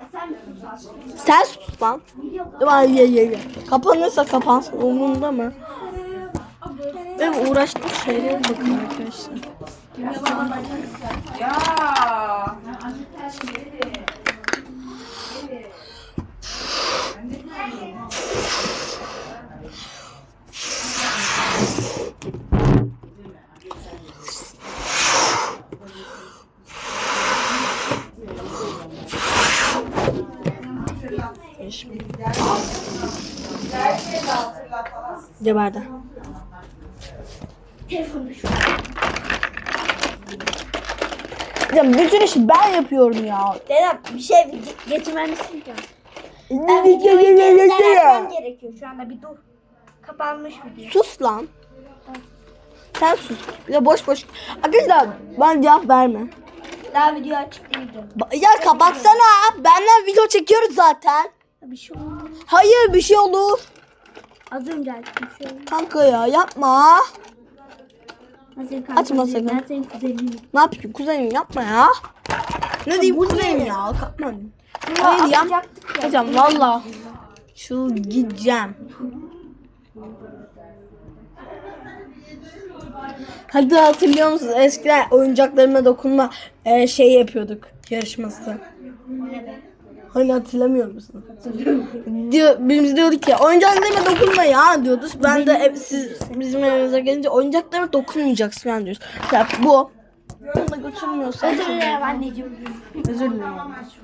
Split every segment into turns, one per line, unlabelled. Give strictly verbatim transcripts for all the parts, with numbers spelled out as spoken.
Sen sus lan. Ay ye ye ye. Kapanırsa kapansın. Umurumda mı? Benim uğraştığım şeylere bakın arkadaşlar.
Ya.
Geberdi. Ya bütün işi ben yapıyorum ya.
Dedem bir şey getirmemişsin ki. Ben videoyu geriden açmam gerekiyor şu anda, bir dur. Kapanmış video.
Sus lan. Sen sus. Bir de boş boş. Arkadaşlar bana cevap verme.
Daha video açık değildi.
Ba- Ya kapatsana. Benden video çekiyoruz zaten.
Bir şey olmaz.
Hayır bir şey olur.
Az önce açtım bir şey olmaz.
Kanka ya yapma.
Ben senin kanka
Açma
değilim,
sakın.
Ben senin kuzeninim.
Ne yapayım kuzenim yapma ya. Ne diyeyim kuzenim ya. Kapma. Hayır ya.
Atacaktık ya.
Hocam valla. Çıl gideceğim. Hadi hatırlıyor musunuz? Eskiden oyuncaklarıma dokunma e, şey yapıyorduk. Yarışması. Hani hatırlamıyor musun? Diyor, birimiz diyorduk ki oyuncaklarıma dokunma ya diyoruz. Ben de e, siz bizim evimize gelince oyuncaklarıma dokunmayacaksın ben diyoruz. Ya bu. Bunu da götürmüyorsa.
Özür dilerim anneciğim.
Özür dilerim.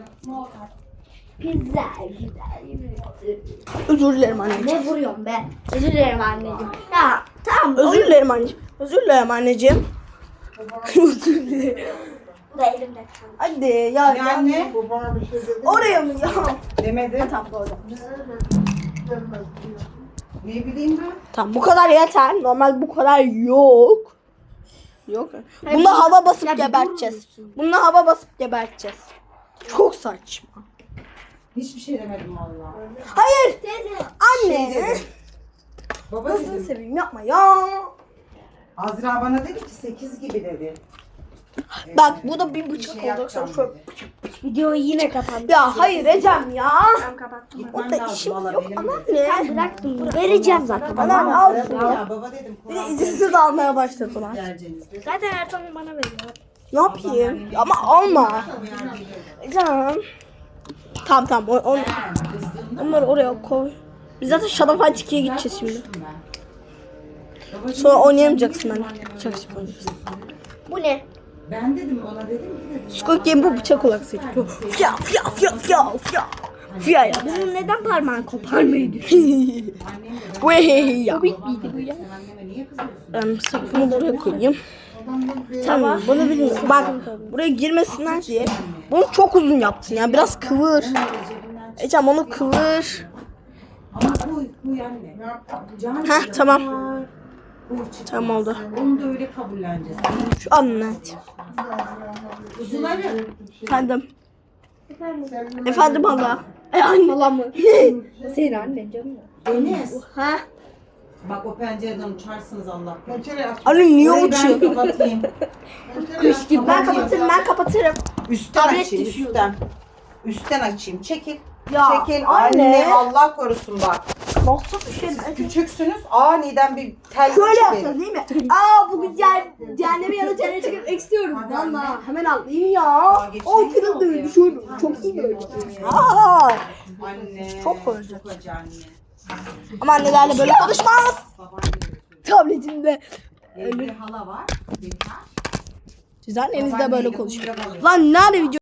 Güzel güzel.
Özür dilerim anneciğim.
Ne vuruyorsun be? Özür dilerim anneciğim. Ya tamam.
Özür dilerim anneciğim. Özür dilerim anneciğim. Özür dilerim.
Bu da elimde kaldı.
Hadi ya.
Ya anne.
Oraya mı ya?
Demedi.
Tamam doğru.
Ne bileyim ben.
Tamam bu kadar yeter. Normal bu kadar yok. Yok. Bunda hava basıp geberteceğiz. Bunda hava basıp geberteceğiz. Çok saçma.
Hiçbir şey demedim valla.
Hayır. Anne.
Şey dedim. Baba
Nasıl
dedim.
seveyim yapma ya.
Azra bana dedi ki sekiz gibi dedi.
Bak bu da bir
Bir
bıçak
şey
oldu.
yapacağım
Şöyle.
dedi.
Videoyu yine kapandı.
Ya hayır Ecem ya.
Tamam kapattım.
Gitmem
Orada
lazım
işimiz
valla
yok
benim
ama
de.
ne?
Bıraktım. Vereceğim zaten.
Anam al
Ya,
şunu.
ya baba dedim.
Bir de
Kur'an
izinsiz almaya başladılar.
vereceğiniz dedi.
Zaten her zaman bana veriyor.
Ne yapayım? Ama alma. Ecem. Tamam tamam. O, on, onları oraya koy. Biz zaten Shadow Fight ikiye gideceğiz şimdi. Sonra oynayamayacaksın ben. Çok sık oynayacaksın.
Bu ne?
Ben dedim ona dedim ki dedim.
Squid Game bu bıçak olarak seçiyor. Fya fya fya fya fya. Fya ya.
Bunun neden parmağını koparmayı düşünüyorsun?
Vey ya.
Komik miydi bu ya?
Anneme niye kızıyorsun?
Ben sapını buraya koyayım. Tamam bunu bilin. Bak buraya girmesinler diye. Bunu çok uzun yaptın ya. Biraz kıvır. Ecem onu kıvır.
Ama bu bu anne. Can
Heh tamam.
bu çıktı.
Tamam oldu.
Onu da öyle kabulleneceğiz.
Şu anlat.
Kuzuları.
Efendim. Efendim hala. E anne. Hala mı?
Senin annen canım.
Deniz.
Ha?
Bak o pencereden uçarsınız Allah korusun.
Anne niye
Orayı ben
uçuyor?
kapatayım.
Kuş gibi. Ben kapatırım ben kapatırım.
Üstten
Tablet
açayım
düşüyor.
üstten. Üstten açayım. Çekil.
Ya,
Çekil.
anne.
Anne. Allah korusun bak.
Nasıl bir şey?
Siz küçüksünüz. Aniden bir tel
Şöyle
çıkıyor.
yapacağız değil mi? Aa bugün ce- cehenneme ya da cennete çıkıp istiyorum. Valla hemen atlayayım ya.
geçen
O
yıl
kırıldı
oldu
öyle
ya.
düşürdüm. Çok iyi böyle. Aa.
Anne.
Çok koyacak.
Çok acı anne.
Ama annelerle böyle konuşmaz.
Baban gibi.
Tabletimde.
Evde hala var. Benim var.
Siz annenizle böyle
Babaanneyle
konuşuyor.
uyuyakalıyor.
Lan nerede video?